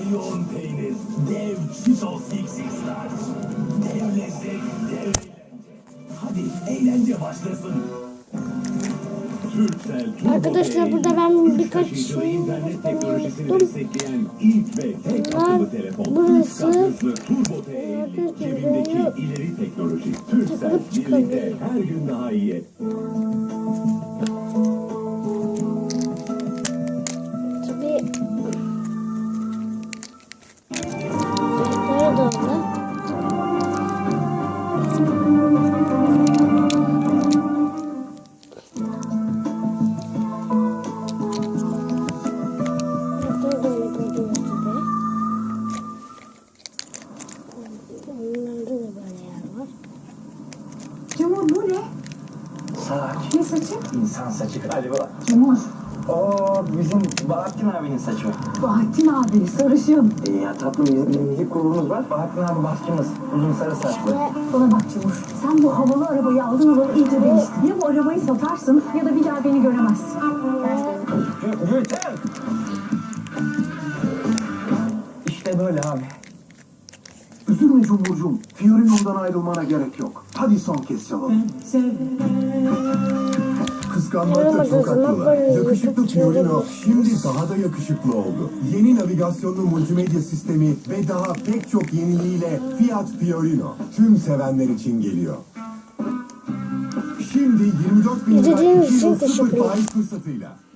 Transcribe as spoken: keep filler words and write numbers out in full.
yoğun peynir, dev Cheetos X X'ler. Dev lezzet, dev eğlence. Hadi eğlence başlasın. Turkcell Turbo Arkadaşlar Pay, burada ben üç birkaç taşıyıcılı şey internet teknolojisini yaptım. destekleyen ilk ve tek Bunlar akıllı telefon. burası. Üç kat hızlı Turbo Pay, Arkadaşlar cebindeki böyle ileri teknoloji. Turkcell takılıp birlikte çıkabiliyor. her gün daha iyi. Tabii ayakları da orada. Ayakları da öyle gördüğünüz gibi. Onlarda da böyle yer var. Cumhur bu ne? Saç. Ne saçı? İnsan saçı galiba. Cumhur. Oo, bizim Bahattin abinin saçı. Bahattin abi sarışın. E ya tatlım bizim müzik grubumuz var. Bahattin abi başçımız. Uzun sarı saçlı. Bana bak Cumhur. Sen bu havalı arabayı aldın alalı iyice değiştin. Ya bu arabayı satarsın ya da bir daha beni göremezsin. Gü- Gülten! İşte böyle abi. Üzülme Cumhurcuğum. Fiorino'dan ayrılmana gerek yok. Hadi son kez çalalım. Kıskanmakta Yaramadığı çok zaman haklılar. böyle Yakışıklı yakıp Fiorino çevirebilir. şimdi daha da yakışıklı oldu. Yeni navigasyonlu multimedya sistemi ve daha pek çok yeniliğiyle Fiat Fiorino tüm sevenler için geliyor. Şimdi yirmi dört bin lira İzlediğiniz iki için yıl sıfır teşekkürler. faiz fırsatıyla.